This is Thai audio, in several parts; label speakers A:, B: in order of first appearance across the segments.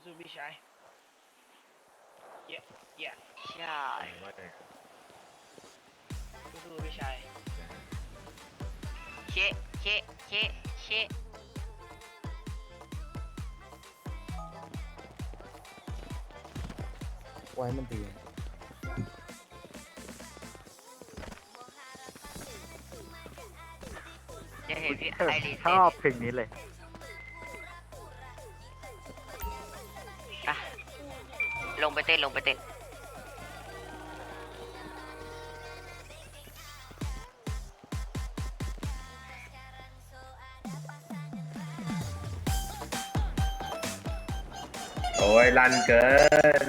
A: สู้ๆพี่ชายเยอะเยอะ
B: ใช่
A: สู้ๆพี่ชาย
B: เชะเชะเชะเชะ
C: ไว้มันตี
B: จะเห็นพี่ไอรีน
C: ชอบเพลงนี้เลย
B: อ่ะลงไปเต้นลงไปเต้น
D: โอ้ยรันเกิน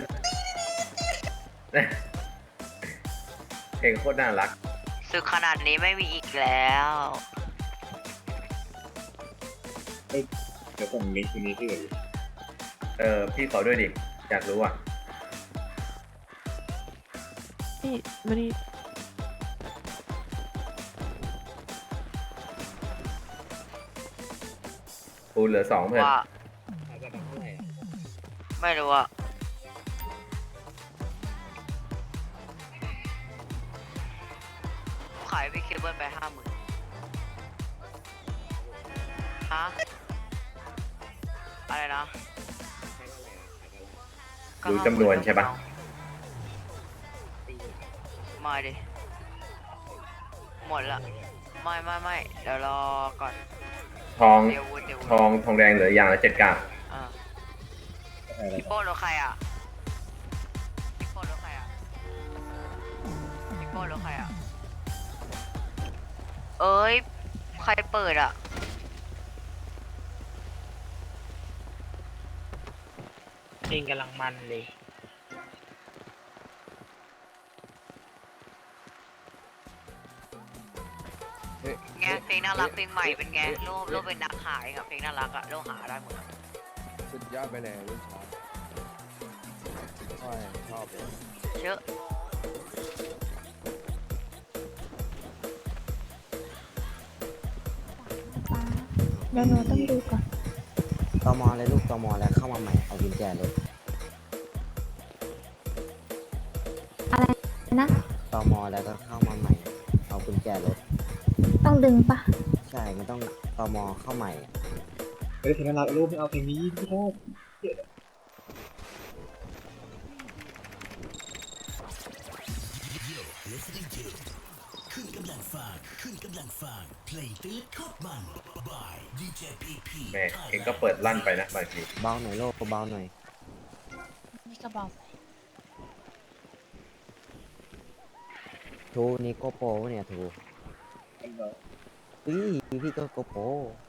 D: เพลงโคตรน่ารัก
B: สึกขนาดนี้ไม่มีอีกแล้ว
E: เดี๋ยวส่งลิงก์ทีนี้ที่เหลือ
D: พี่ขอด้วยดิอยากรู้อ่ะ
F: นี่มานี่
D: ปูนเหลือ2เพื่อน
B: ว่า
E: ขายกระดับเท่าไหร่อ่ะ
B: ไม่รู้อะขายพี่เคเบิลไป50,000ฮะอะไรนะ
E: ขายเท่าไหร่อ่ะขายเท่าไหร่
B: ก็
D: รู้จำนวนใช่ปะ
E: ตี
B: มาดิหมดละไม่เดี๋ยวรอก่อน
D: ทอง
B: เดี๋ยววุ้น
D: ทองแดงเหลืออย่างละ7 กาก
B: อ่า
E: อะไร
B: พี่โป้รถใครอ่ะพี่โป้รถใครอ่ะพี่โป้รถใครอ่ะเอ้ยใครเปิดอ่ะ
A: เพลงกำลังมันเลย
B: ไงเพลงน่ารักเพลงใหม่เป็นไงรูปเป็นนักขายกับเพลงน่ารักอะรูปหาได้หมดอะ
C: สุดยอดไปเลยลูกชายชอบเลย
B: เยอะ
F: เดี๋ยวหนูต้องดูก่อน
G: ตมเลยลูกตมแล้วเข้ามาใหม่เอากุญแจรถ
F: อะไรนะ
G: ตมแล้วก็เข้ามาใหม่เอากุญแจรถ
F: ต้องดึงปะ
G: ใช่มันต้องตมเข้าใหม่
E: เฮ้ยเพลงน่ารักรูปไม่เอาเพลงนี้พี่ชอบ
D: แม่เองก็เปิดลั่นไปนะบางที
G: เบาหน่อยโลกเบาหน่อย
F: นี่ก็บอก
G: ทูนี่โกโปรเนี่ยทูพี่ก็โกโปร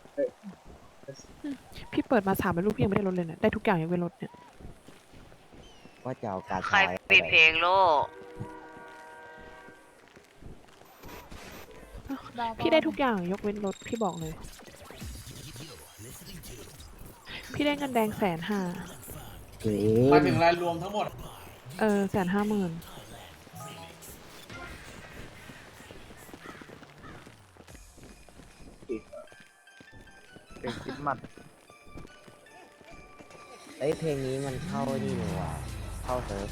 F: พี่เปิดมา3เป็นรูปพี่ยังไม่ได้ลดเลยเนี่ยได้ทุกอย่างยังไม่ลดเนี่ย
G: ว่าจะเอาการ
B: ใคร
G: ชาย
B: ปิดเพลงโลก
F: พี่ได้ทุกอย่างยกเว้นลดพี่บอกเลย พี่ได้เงินแดง150,000
G: เฮ้
H: มาถึงรายรวมทั้งหมด
F: 150,000
C: เพลงคิดมัด
G: เอ้ยเพลงนี้มันเข้านี่เลยว่ะเข้าเซิร์ฟ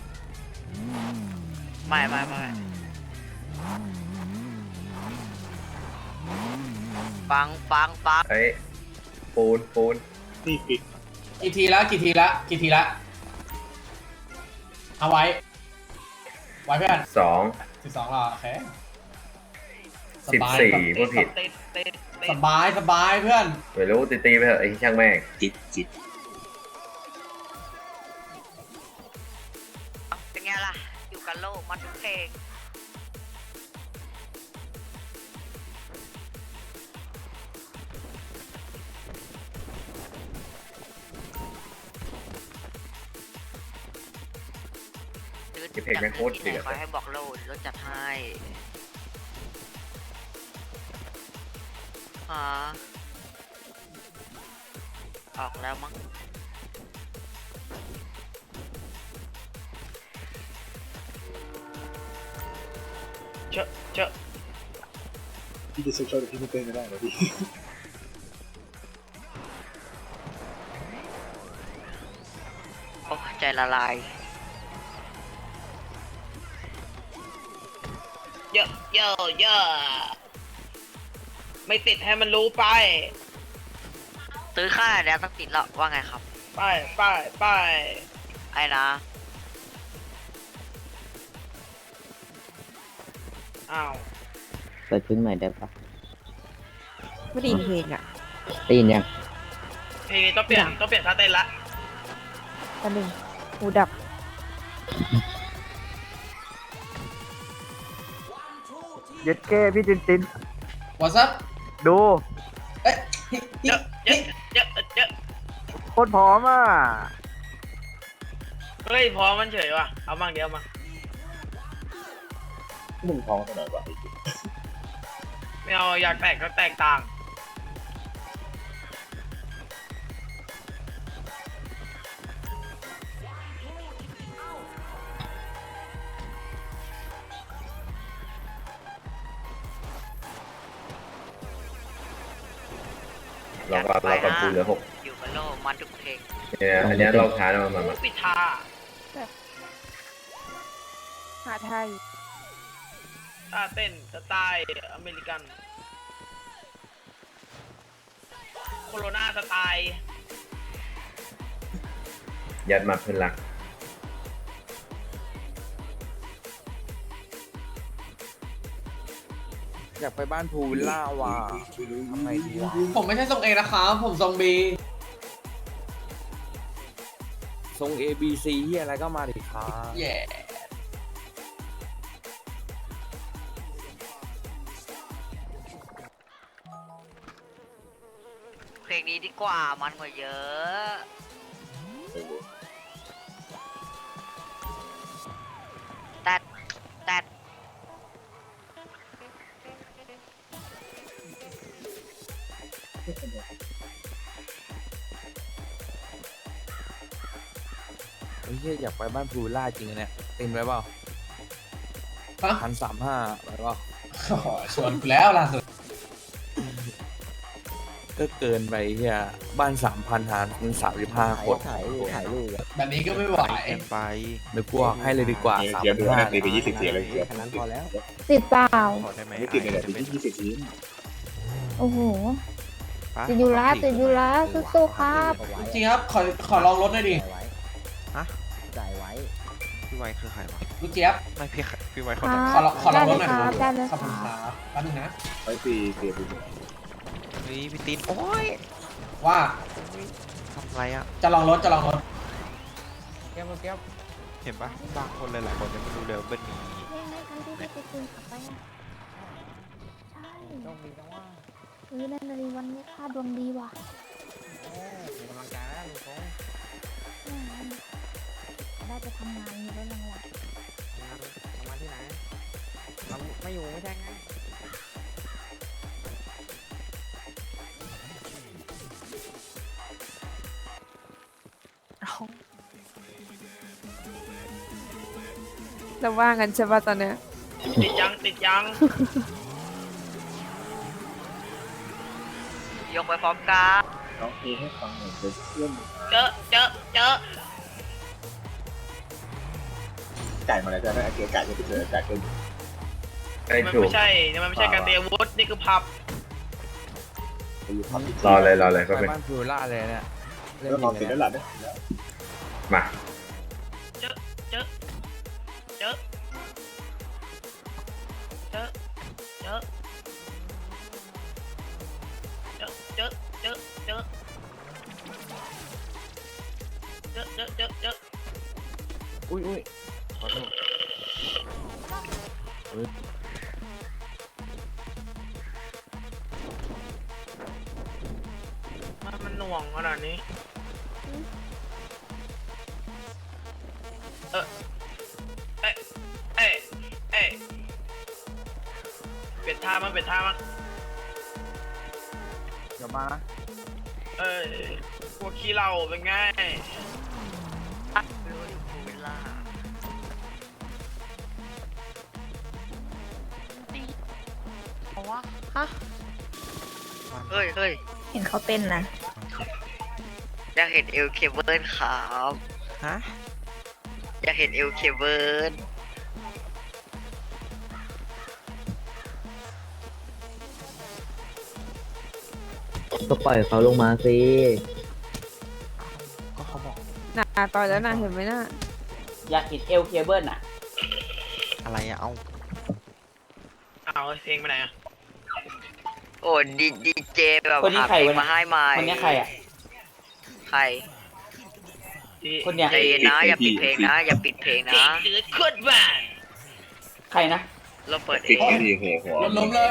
B: ไม่ปัง
D: เฮ้ยปูน
E: นี่ปิด
H: กี่ทีละเอาไว้เพื่อน
D: 2
H: 12เหรอโอเคสบาย
D: 14พูดผิด
A: เต้น
H: สบายเพื่อน
D: ไม่รู้ตีไปเถอะไอ้ช่างแม่ง
E: จิต
B: เป็นไงล่ะอยู่กับโลกมันทุกเพลง
D: เพลงแม่งโคตรเดือด
B: ขอให้บอกโลดรถจัดให้ฮะออกแล้วมั้ง
A: เจอะ
E: พี่จะเซ็กชวลแต่พี่ไม่เต้นไม่ได้เหรอพี่
B: ใจละลาย
A: เยอะเยอะเยอะไม่ติดให้มันรู้ไป
B: ซื้อค่าแล้วต้องติดแล้วว่าไงครับ
A: ไปไปไป
B: ไอ้นะ
A: อ้าว
I: เปิดเพลงใหม่ได้ปะ
F: ไม่ได้ยินเพลงอ่ะ
I: ได้ยินยัง
A: เพลงนี้ต้องเปลี่ยนท่าเต้นละ
F: ตอนหนึ่งหูดับ
C: เย็ดเก้พี่จินจิน
H: วอทซับ
C: ดู
H: เอ๊ะ
A: เยอะเยอะเยอะเยอะ
C: โคตรพร้อมอ่ะ
A: เฮ้ยพอมันเฉยว่ะเอามั่งเดียวมา
E: มึงท้องเท่าไหร่วะ
A: ไม่เอาอยากแตกก็แตกต่าง
D: เราก็ปูเหลือ6
B: อยู่กับโลกมันทุกเพลง
D: เนี่ยอันเนี้ยเราช้าแล้วมา
A: ปิดทา
F: หาไทย
A: ท่าเต้นสไตล์อเมริกันโคโรนาสไตล์
D: ยัดมาเพื่อนรัก
C: อยากไปบ้านพูวิลล่าว่ะทำไงดีวะ
H: ผมไม่ใช่ทรงเอนะครับผมทรงบี
C: ทรง A B C ที่อะไรก็มาดิครับ
H: แย่
B: เพลงนี้ดีกว่ามันกว่าเยอะแต่แต่
C: ไอ้เหี้ยอยากไปบ้านพูวิลล่าจริงๆเนี่ยเต็มไปเปล่า
H: ฮะ
C: 1,350ไปเปล่า
H: โอ้โหชวนกูแล้วล่าสุด
C: ก็เกินไปเฮียบ้าน 3,000 หารเป็น35 คน
G: ถ่ายรูปอะ
H: แบบนี้ก็ไม่ไหว
C: นึกว่าให้เลยดีกว่า
E: เดี๋ยวดูนะตีไป20เสียเลยเดี๋ยว
G: แค่นั้นพอแล้ว
J: ติดเปล่า
E: ไม่ติดเลยตี20ที
J: โอ้โห ติดอยู่แล้วสู้ๆครับ
H: จริงครับขอลองรถหน่อยดิ
G: จ่ายไว้
K: พี่ไวคือใครวะ
H: ลูกเจี๊ยบ
K: ไม่พี่ไว
J: ค
K: เขา
J: รั
K: ทำ
J: บ
H: ขอลองรถหน่อย
J: ได้เลย
H: ขอบ
J: ค
H: คุณ
J: รับ
H: ครับแป๊บนึงนะ
E: ไว้ตีเสียไป
K: เฮ้ยพี่ตีนโอ้ย
H: ว่า
K: ทำไรอ่ะ
H: จะลองรถ
G: แก้ว
K: เห็นปะบางคนหลายๆคนยังไม่รู้เลยว่าเบิ้ลมี
J: นี่ไงคันที่พี่ไปคืนขับไปอ่ะใช่
G: ต้องมีต้องว่า
J: นั่นเลยวันนี้ค่าดวงดีว่ะ
G: มีกำลังใจแล้วลุงคง
J: ได้ไปทำงานมีได้รางวัล
G: ทำงานที่ไหนเราไม่อยู่ไม่ใช่ไง
F: แล้วว่างันใช่ป่ะตอนเนี้ย
A: ติดยังติดยัง
B: ยกไปพร้อมกัน
E: น้องเอให้ฟังหน่อยเพื่อน
A: เจอเจอเจอ
E: จ่ายมาแล้วจะได้เกียร์จ่ายจะไปเจอจ่ายเกิน
D: ไอ้
A: มัน
D: ถูก
A: ไม่ใช่มันไม่ใช่การเตรียมอาวุธนี่คือพับ
E: ไปอยู่พับ
D: รอเลยก็
C: ไป
D: เป็น
C: บ้านพูวิลล่าเลยเนี่ยเล่น
E: แล้ว
C: จ
E: พ
C: ริ
E: อง ปิด
C: เล
E: แล้
C: ยว
E: ห
C: เนี่ย
E: ล่ะ
D: มา
A: เจอเจอเจอเจอเจอเจอเจอเจอเจอเจอเจอเจอ
C: อุ้ยขอโทษเฮ้ย
A: มันหน่วงขนาดนี้เอ้ยเอ้ยเปลี่ยนท่ามั้ง
C: เดี๋ยวมานะ
A: เอ้ยพวกขี้เหล้าเป็นไง
B: เวลาเอาวะฮะเฮ้ย
J: เห็นเขาเต้นนะ
B: อยากเห็นเอลเคเบิลครับ
K: ฮะ
B: อยากเห็นเอลเคเบิร์น
I: ก็ปล่อยเขาลงมาสิ
K: ก็เขาบอก
F: น่ะต่อยแล้วนะเห็นไหมน่ะ
A: อยากเห็นเอลเคเบิลอ่ะ
K: อะไรอะเอา
A: เอาเพลงไปไหนอ่ะ
B: โอ้ดีเจแบบ
A: คนนี้
B: หา
A: ใคร
B: เพลง
A: วะ
B: มาให้ใหม่
A: คนนี้ใครอ่ะ
B: ใคร
A: คนเนี้ย
B: ใจเย็นนะอย่าปิดเพลงนะอย่าปิดเพลงนะ
A: จืดขึ้นมาใครนะ
B: เราเปิดเอ
E: ติ๊ก
B: ง
E: ที่หัว
H: ล้มเลย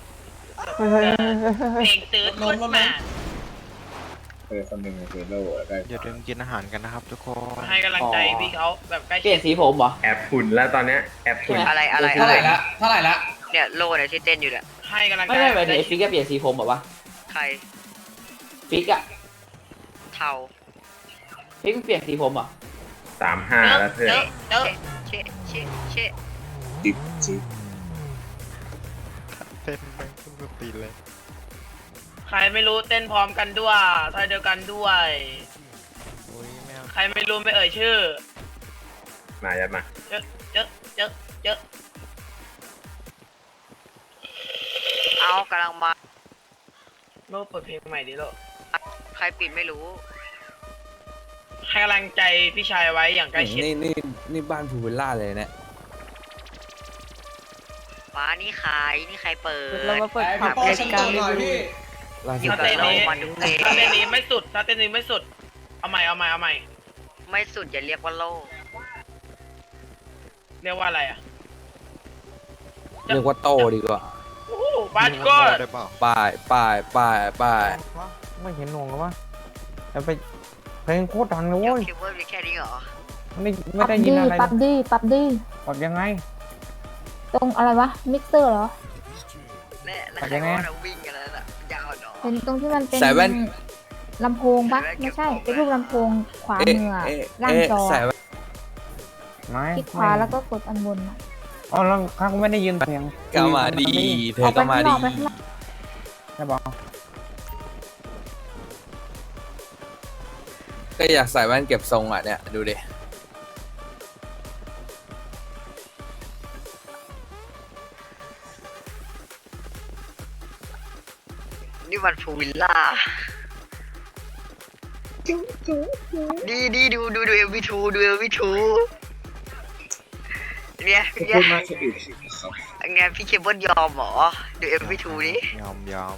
A: เพลงจืดขึ้นมา
E: คนหนึ่งคือโล่แล้วก็
K: อย่าลืมกินอาหารกันนะครับทุกคน
A: ให้กำลังใจพี่เขาแบบใกล้เปลี่ยนสีผมเหรอ
D: แอบฝุ่นแล้วตอนเนี้ยแอบฝุ่น
B: อะไร
H: เท่าไหร่ละเท่าไหร่ละ
B: เนี่ยโล่เนี่ยที่เต้นอยู่เนี่ย
A: ให้กำลังใจไม่เดี๋ยวฟิกจะเปลี่ยนสีผมแบบว่า
B: ใคร
A: ฟิกอะ
B: เทา
A: ฟิกเปลี่ยนสีผมเหรอ
D: 35แล้วเพื่อน
B: เชะ
E: จิ๊บจิ๊บ
K: เต้นแม่งขึ้นสตีเลย
A: ใครไม่รู้เต้นพร้อมกันด้วยท่าเดียวกันด้วย
K: โอ้ยแมว
A: ใครไม่รู้ไม่เอ่ยชื่อ
D: มายัดมา
A: เจอ
B: เอากำลังมา
A: โลกเปิดเพลงใหม่ดิโลก
B: ใครปิดไม่รู้
A: ให้กำลังใจพี่ชายไว้อย่างใกล้ชิด
C: นี่บ้านพูวิลล่าเลยเนี่ย
B: ฟ้านี่ใครนี่ใครเปิด
F: เรามาเปิด
H: ไอ้
F: ผั
H: พี่
F: บ
H: โป้
F: ราย
H: ฉัน
F: กา
H: ตั
F: ร
H: วห
F: รี
H: น่อย
F: วิว
H: พี่
C: ล่าสุด
A: ถ้าเต้นนี้
B: มันทุกเพลง
A: ถ้าเต้นนี้ไม่สุดถ้าเต้นนี้ไม่สุด เอาใหม่
B: ไม่สุดอย่าเรียกว่าโล่
A: เรียกว่าอะไรอ่ะ
C: เรียกว่าโตดีกว่า
A: โอ้บาสก็
K: ได้เปล่า
C: ป้าย
G: ไม่เห็นหน่วงหรอวะแต่ไปเพลงโคตรดังเลย
B: เอล
G: โว้ย
B: เคเบิร์นมีแค่นี้เหรอ
G: ไม่
J: ปรับ
G: ได้ยิน
J: ดี
G: อะไร
J: ปรับดีปรับดี
G: ปรับยังไง
J: ตรงอะไรวะ มิกเซอร์เหรอ
B: แน่แล้ว
G: ปัด
B: ใคร
G: ยังไง
B: ว่าเราวิ่งกันแล้วน่ะยาวเนาะ
J: เป็นตรงที่มันเป็น
C: ใส่แว่น
J: ลำโพงปะไม่ใช่ เป็นรูปลำโพงขวามืออะ
C: เอ๊ะ
J: ล่างจอ
C: ใส่แว่น
G: ไม่
J: คลิกขวาแล้วก็กดอันบนอะ
G: อ๋อแล้วข้างไม่ได้ยินเสียง
C: ก็มาดีเธ
J: อ
C: อ
J: อกไป
C: ก็
J: ข้าง
C: มาน ดี
J: อกไปข้างนอก
G: ใช่บอก
C: ก็อยากใส่แว่นเก็บทรงอ่ะเนี่ยดูดิ
B: นี่มันพูวิลล่าดีดูเอลวีทูดูเอลวีทูเนี่ย
E: พูดมากคนอื่นครับ
B: ไงพี่เคเบิลยอมเหรอดูเอลวีทูนี้
K: ยอม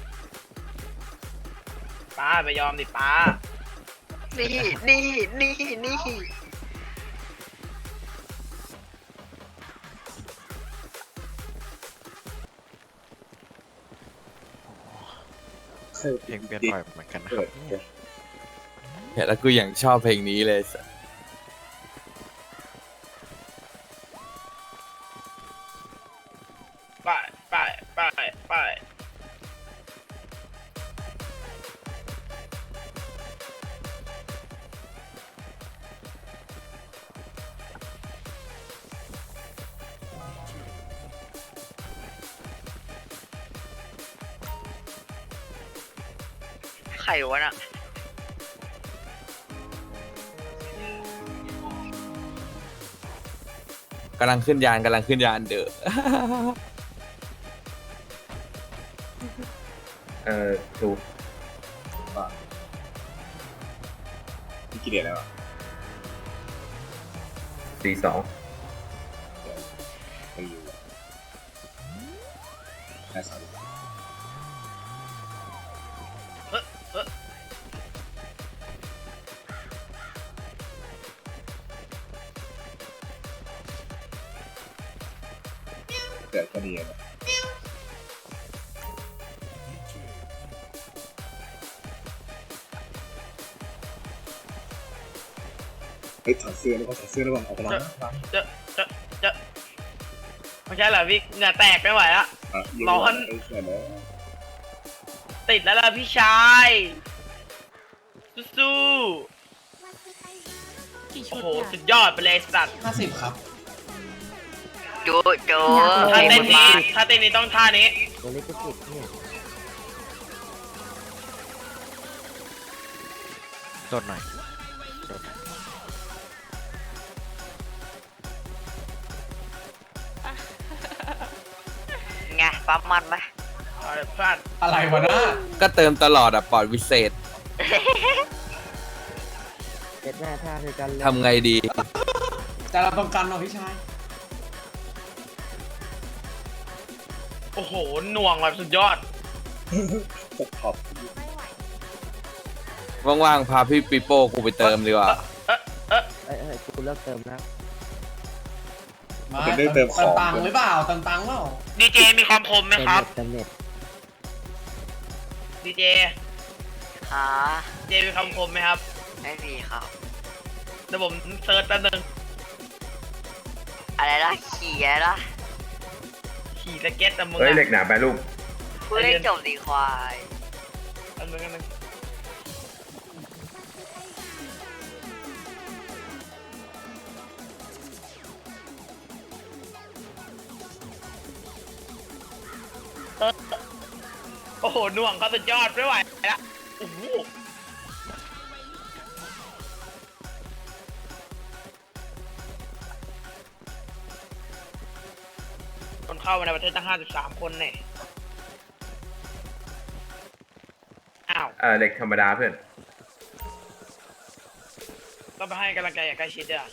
A: ป้าไปยอมดิป้า
B: นี่
K: เพลงเปลี่ยนบ่อยเหมือนกันนะครับเนี่ย
C: เห็นแล้วกูอย่างชอบเพลงนี้เลย
A: ไป
B: ใครวะน่ะ
C: กำลังขึ้นยานเด้อ
D: ถูก
E: พี่กี่เดือนแล้วอ่ะ
D: 42
E: ไปอยู่แค่สามเกิดก็ดีนะเฮ้ยถอดเสื้อแล้วก็ถอดเสื้อแล้วก็ออกไปแล้ว
A: ไม่ใช่เหรอพี่เหงื่อแตกไม่ไหวละ ร้อน ติดแล้วล่ะพี่ชายสู้ๆโอ้โหสุดยอดไปเลยสัตว์
H: 50ครับ
B: โจ
A: ถ้าเต้น
B: มา
A: นี้ต้องท่านี้
G: ตัวเล็กก็ติดเนี่ย
K: โดดหน่อยโดด
B: ไงปั๊มมันไหม
A: เอาเลยเพื่อน
H: อะไรวะนะ
C: ก็เติมตลอดอะปอดวิเศษ
G: เจ็ดแม่ท่าคือกันเลย
C: ทำไงดี
H: แต่เราต้องกันเนาะพี่ชาย
A: โอ้โหหน่วงแบบสุดยอด
E: จะขอบ
C: ว่างๆ พาพี่ปีโป้กูไปเติมดีกว่า
G: กูเลิกเติมแล้ว
H: มา
E: เป็นเรื่องเติมของ
H: ตังค์หรือเปล่าเติมตังค์เปล่า
A: ดีเจมีความคมไหมครับ
G: เติมเน็ต
A: ดีเจ
B: หา
A: เจมีความคมไหมครับ
B: ไม่มีครับ
A: เดี๋ยวผมเซิร์ชแป๊บนึง
B: อะไรนะขี่อะไรนะ
A: ขี่สเก็ตแต่มึง
D: เฮ้ย
A: อะ
D: เหล็กหนาไปลูก
B: พูดให้จบดีควาย
A: อันนึงอันนึงโอ้โหหน่วงเขาสุดยอดไม่ไหวละโอ้โหคนเข้ามาในประเทศตั้ง53 คนเนี่ยอ้าว
D: เหล็กธรรมดาเพื่อน
A: ต้องไปให้กำลังใจอย่างใกล้ชิดด้วยอะ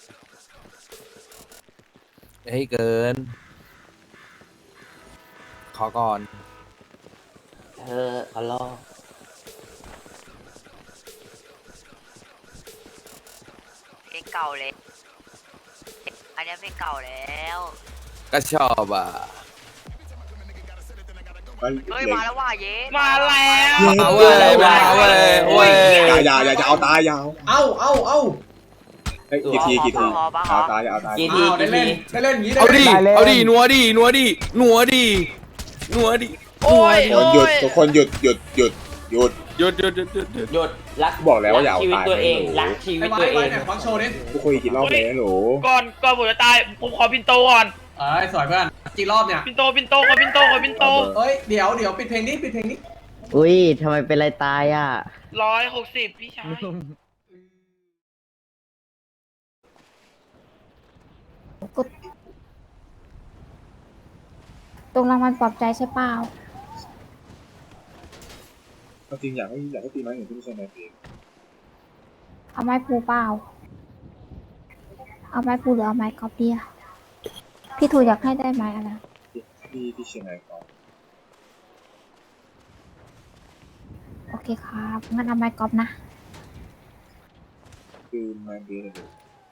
C: เฮ้ยเกิน ขอก่อน
G: ขอรอ
B: เพลงเก่าเลยอันนี้เพลงเก่าแล้ว
C: ก็ชอบอ่ะ
B: เฮ้ยมาแล้วว่ะเย้
A: มาแล้ว
C: มาเว้ยมาเว้ยเว้ย
E: อย่าจะเอาตายยาว
H: เอ้า
E: เฮ้ยกี่ทีเอาตายอย่าเอาตาย
H: อ้าวได้เล่นอย่างนี้
C: เอาดิ เอาดินัวดินัวดินัวดินัวดิ
A: โอ้ย
E: ทุกคนหยุด
C: หยุดหยุดหยุดหยุด
G: หยุดรัก
E: บอกแล้วว่าอย่าเอาตาย
G: รักชี
H: ไอ้
G: วิต
H: ไว้
G: ตัวเอ
H: ไว้
G: ง
H: เนี่ยฟังโชว์ดิ
E: ทุกคนกี่รอบเลยหนู
A: ก่อนผมจะตายผมขอปินโตก่อน
H: เอ้ยสวยเพื่อนกี่รอบเนี่ย
A: ปินโตขอปินโต
H: เอ้ยเดี๋ยวปิดเพลงนี้
I: อุ้ยทำไมเป็นไรตายอ่ะ
A: 160พี่ชาย
J: กดตรงรางวัลปลอบใจใช่เปล่า
E: จริงอยากให้ตีไม้หนึ่งที่ไม่ใช่ไม้เพลง
J: เอาไม้ปูเปล่า เอาไม้ปูหรือเอาไม้กอล์ฟเดียพี่ถูอยากให้ได้ไม้อะไร
E: ที่เชียงรายก่อน
J: โอเคครับงั้นเอาไม้กอล์ฟนะ
E: คือไม้เพลงเลย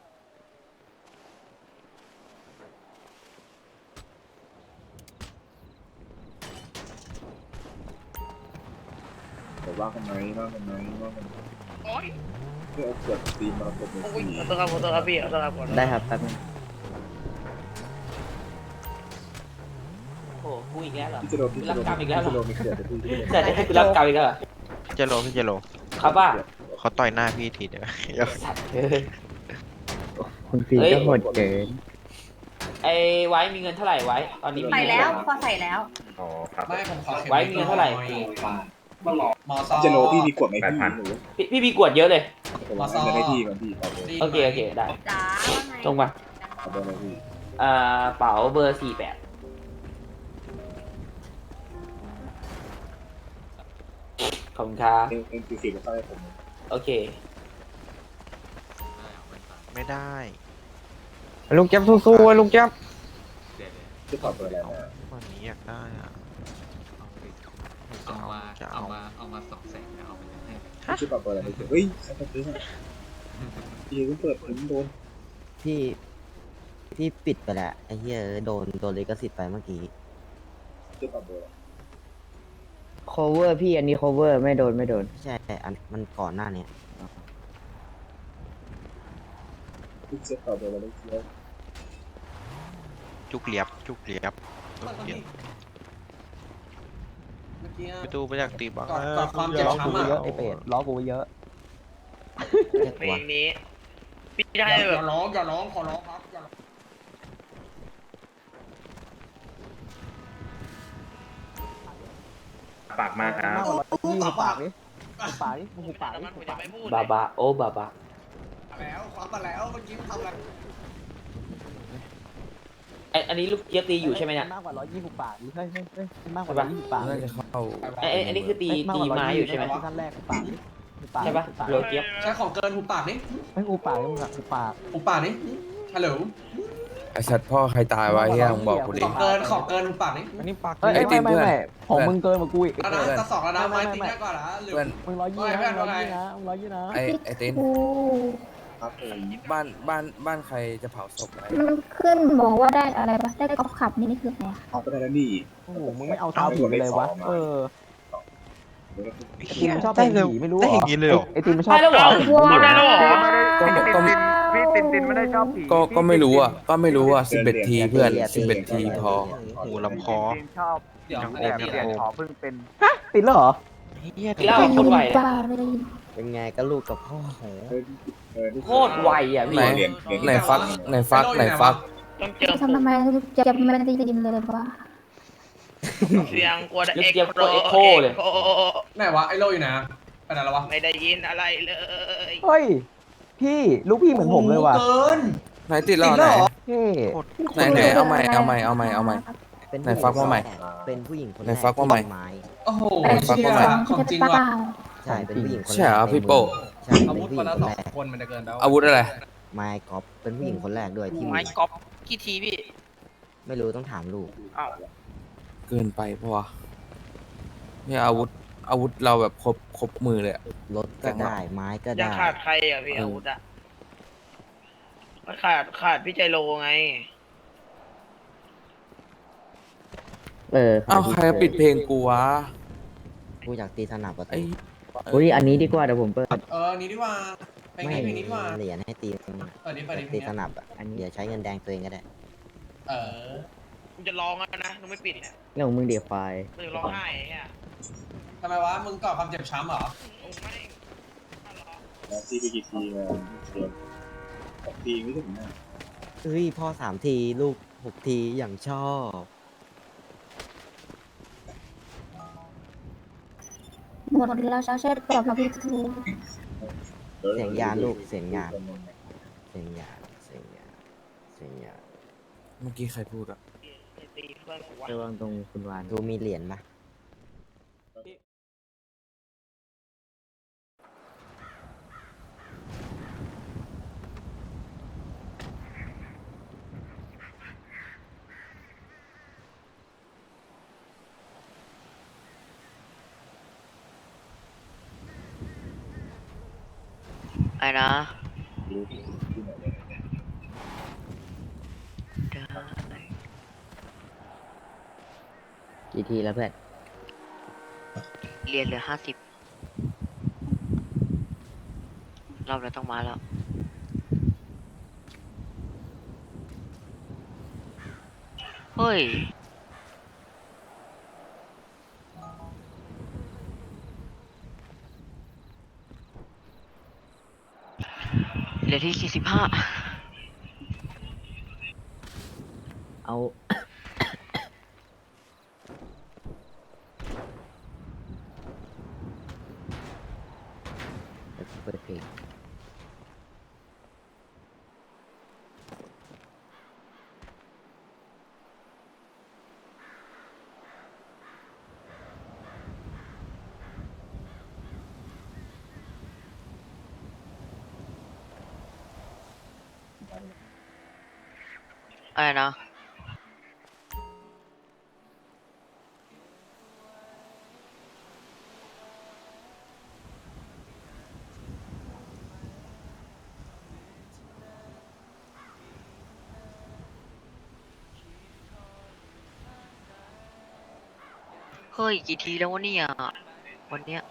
E: แต่ว่ากันไหม
A: โอ้ย
E: เพื่อเอาเกิดตีมรกตใน
A: โอ้ย
E: ที่
A: ขอโทษครับพี่ขอโทษครับ
I: ได้ครับแป๊บนึง
G: โอ้กูอีกแล้วเหรอ
E: พี่จะโดนไม่เกิดที่
G: เกิดให้กูรับกรรมอีกแล้วเหรอ
K: พี่เจโรพี่เจโร
G: ครับป่ะ
K: เขาต่อยหน้าพี่ทีเดียว
G: สัตว์
I: คุณฟีก็หมดเกิน
G: ไอ้ไว้มีเงินเท่าไหร่ไว้ ตอนนี้มี
B: ไป
G: เงิน
B: แล้ว
G: เท่าไหร่
B: พอใส่แล้ว
D: อ๋อครับ
H: ไม่ผมขอ
G: ไว้มีเงินเท่าไหร่
H: มอซอ
E: จะโลพี่มีกฎไหมพี่หนู
G: พี่มีกวดเยอะเลย
E: ผมว่าจะได้ที่ก่อนพี่ขอเบอร์
G: โอเคได้
B: จ้า
G: ตรงมา
E: ขอเบอร์เลยพี่
G: เป๋าเบอร์48ขอบคุณครับ
E: เอ็นคือมาเข้าให้ผม
G: โอเค
K: ไม่ได้
G: ลุงแจ๊บสู้ๆลุงแจ๊บ
E: ที่ขอเบอร์อะไรนะ
K: วันนี้อยากได้อ่ะ
E: เอามา200,000เอาไปให้ชื่อขอเบอร์อะไรเฮ้ยใครจะซื้อพี่เพิ่งเปิดผมโดน
I: พี่ปิดไปแล้วไอ้เหี้ยโดนลิขสิทธิ์ไปเมื่อกี้
E: ชื่อขอเบอร์
I: cover พี่อันนี้ cover ไม่โดนใช่อันมันก่อนหน้านี้
E: พี่ชื่อขอเบอร์อะไรเชื่อ
K: จุกเหลียบจุกเหลียบไปดูไปจากตีบ้าง
H: กอดความเจ็บช้ำอ่ะ
I: ไอเป็ดล้อกูเยอะ
A: เพลงนี้พี่ได้
H: อย่า
A: แบบ
H: ร้องขอร้องครับอย่าร้อง
D: ปากมากครับ
H: ปาก
G: บาบาโอ้บาบา
H: แล้วควักมาแล้วเมื่อกี้ทำอะไร
A: อันนี้ลูกเจี๊ยบตีอยู่ใช่ไหมเนี่ย
I: มากกว่า120 บาทเฮ้ยมากกว่า120 บาท
C: น่าจะเข้า
A: อันนี้คือตีไม้อยู่ใช่ไหม
I: ขั้นแรกปาก
A: ใช่ปะโรเจี๊ยบ
H: ใช้ของเกินหูปากนี่
I: ไม่กูปากมึงอะกูปาก
H: หูปากนี่ฮัลโหล
C: ไอสัตว์พ่อใครตายวะเฮียมึงบอกกูดิ
H: ของเกินหูปากนี่
I: อันนี้ปาก
C: ไอ้ตีนเพื่อน
I: ของมึงเกินกว่ากูอีก
H: แล้วนะจะสองแล้วนะไม้ตีแค่ก่อนนะหรือ
C: เพื่อน
I: มึง120นะมึง120นะ
C: ไอติน
J: โอ้
E: ครับผม
C: บ้านใครจะเผาศพไหม
J: มันขึ้นบอกว่าได้อะไรปะได้กอล์ฟขับนี่คืออะไรอะ
E: เอาไปได้แล้วนี่
I: โอ้โหมึงไม่เอาเท้าผีไปเลยวะไอตีนมันชอบ
K: ได้
I: เป็น
K: เร็ว
I: ผีไม่รู้
K: ได้อย่างนี้เลยเหรอ
I: ไอตีนมันชอบ
A: ได้แล้วเหรอ
J: ว้าว
A: ได้แล้วเหรอ
C: พี่ตินไม่ได้ชอบผีก็ไม่รู้อ่ะ11 ทีเพื่อน11 ทีพอ
K: หูลำคอ
H: เดี๋ยว
K: ยังโอมยังโอม
I: ติดแล้วเหรอ
K: เฮีย
A: เล่าคนไหว
J: บ้าไม่ได้ยิน
I: เป็นไงก็ลูกกับพ่อโห
A: โคตรไวอ่ะพี่
C: ไหนฟัก
A: ต้องเจอ
J: ทำไมจะไม่ได้ยินเลยว่า
A: เสียงกว่าเอ็กโคเลย
H: ไหนวะไอ้โลอยู่ไหนไปไหนแล้ววะ
A: ไม่ได้ยินอะไรเลย
I: เฮ้ยพี่ลูกพี่เหมือนผมเลยว่ะ
H: เกิน
C: ไหนติดแล้วไหน
I: พี่
C: ไหนเอาใหม่ไหนฟักมาใหม่
I: เป็นผู้หญิงคน
C: ไหนฟักมาใหม่
H: โอ้โห
C: ฟัก
H: เชี่ย
C: มาใหม่
H: ของจริง
J: เป
H: ว่ะ
J: ล่า
I: ใช่เป็นผู้หญิงคน
C: ใช่เหรอพี่โป้
I: ใช่
H: อา
I: เป็น
H: วุธ
I: ผู้ห
H: ค นละ
I: ญิงคน
H: สอ
I: แรง ก
H: คนมันจะเกินแล้ว
C: อาวุธอะไร
I: ไมค์ก๊อฟเป็นผู้หญิงคนแรกด้วยที่
A: ไม้กอล์ฟกี่ทีพี่
I: ไม่รู้ต้องถามลูก
A: อ้าว
C: เกินไปปะวะเนี่ยอาวุธเราแบบครบมือเลยอะ
I: รถก็ได้ไม้ก็
A: ยัง
I: ได้
A: ขาดใครอ่ะพี่อาวุธอ่ะขาดพี่ใจโลไง
C: เอ้าใครปิดเพลงกูวะ
I: กูอยากตีสนับประ
C: ไอ้
I: ตูอุ้ยอันนี้ดีกว่าเดี๋ยวผมเปิด
H: นี้ดีกว่าเพลงนี้เพลงนี้ดีกว่า
I: เหรียญให้ตี
H: เปิดนี้เปิดนี้เพล
I: ตี
H: ง
I: ส
H: นี้
I: นับอ่ะอันนี้เดี๋ยวใช้เงินแดงตัวเองก็ได้
H: เออ
A: มึงจะร้องแล้วนะมึงไม่ปิดเนี่ย
I: เรื่องของมึงเดี๋ยวไฟ
A: มึงจะร้องไห้ไอ้เนี่ย
H: ทำไมวะมึงก่อความเจ็บช้ำเหรอ
A: มึงไม่
E: แล้วตีไปกี่ทีมาเสีย6 ทีไม่ถึงนะ
I: เฮ้ยพ่อ3 ทีลูก6 ทีอย่างชอบ
J: หมดแล้วเช็ดกรอบเราพี่ทู
I: เสียงยานลูกเสียงยานเสียงยานเสียงยานเสียงยาน
C: เมื่อกี้ใครพูดอะ
A: ตีเพื่อนกูวะ
I: ระวังตรงคุณวานดูมีเหรียญปะ
B: ไอ้นะ
E: รู้ที่ไหนเลย
I: กี่ทีแล้วเพื่อน
B: เรียนเหลือ50รอบแล้วต้องมาแล้ว เฮ้ย เหลือที่45
I: เอา เปิดเพลง
B: อะไรนะ เฮ้ย กี่ทีแล้ววะเนี่ยวันเนี้ย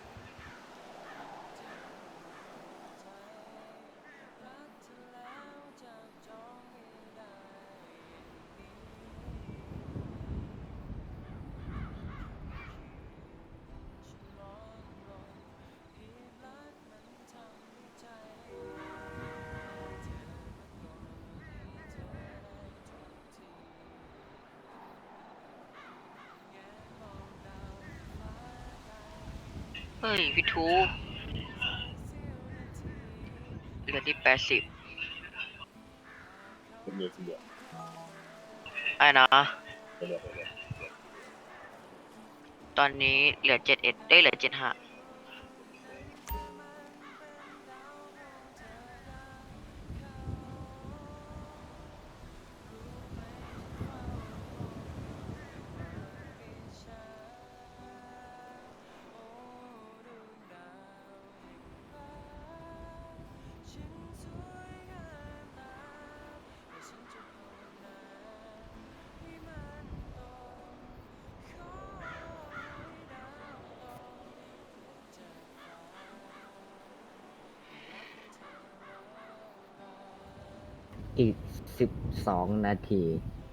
B: เฮ้ยพี่ทูเหลือที่80
E: เป็นเดือน
B: ไอ้นะ ตอนนี้เหลือ71ได้เหลือ75
I: อีก12 นาที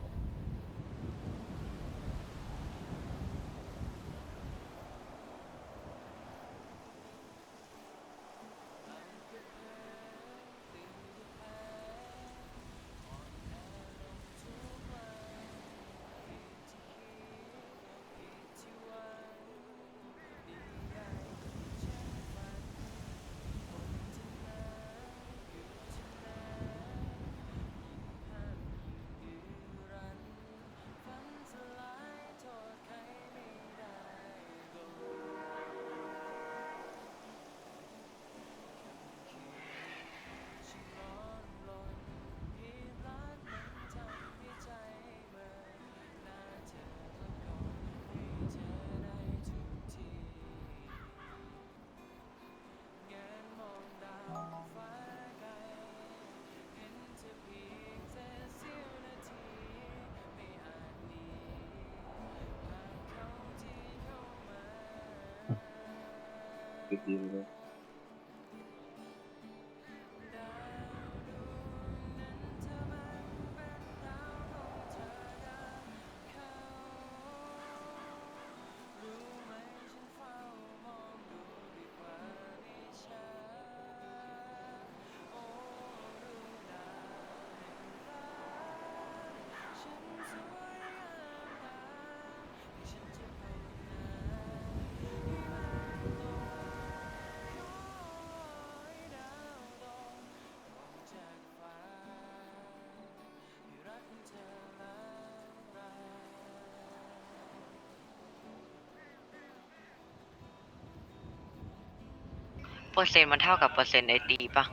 B: เปอร์เซ็นต์มันเท่ากับเปอร์เซ็นต์ไอตีปะ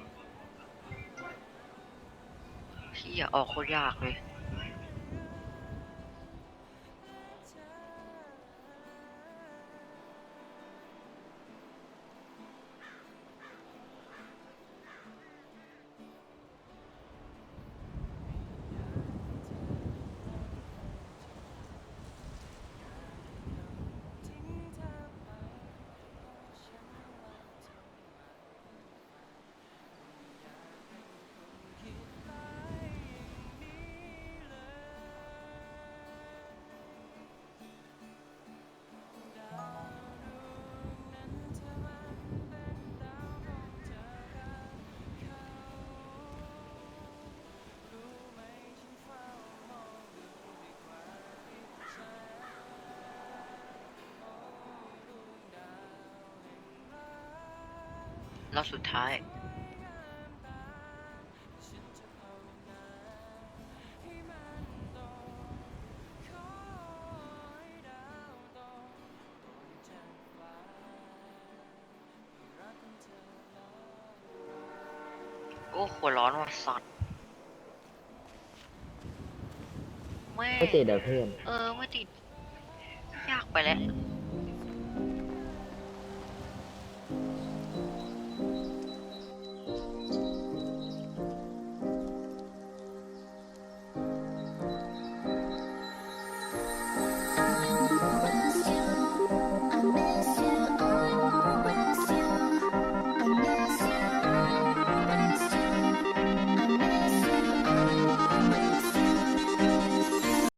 B: พี่อย่าออกโคตรยากเลย รอบสุดท้ายโอ้หัวร้อนว่ะสัตว์แม่
I: ไม่ติดเดี๋ยวเพื่อน
B: ไม่ติด ยากไปแล้ว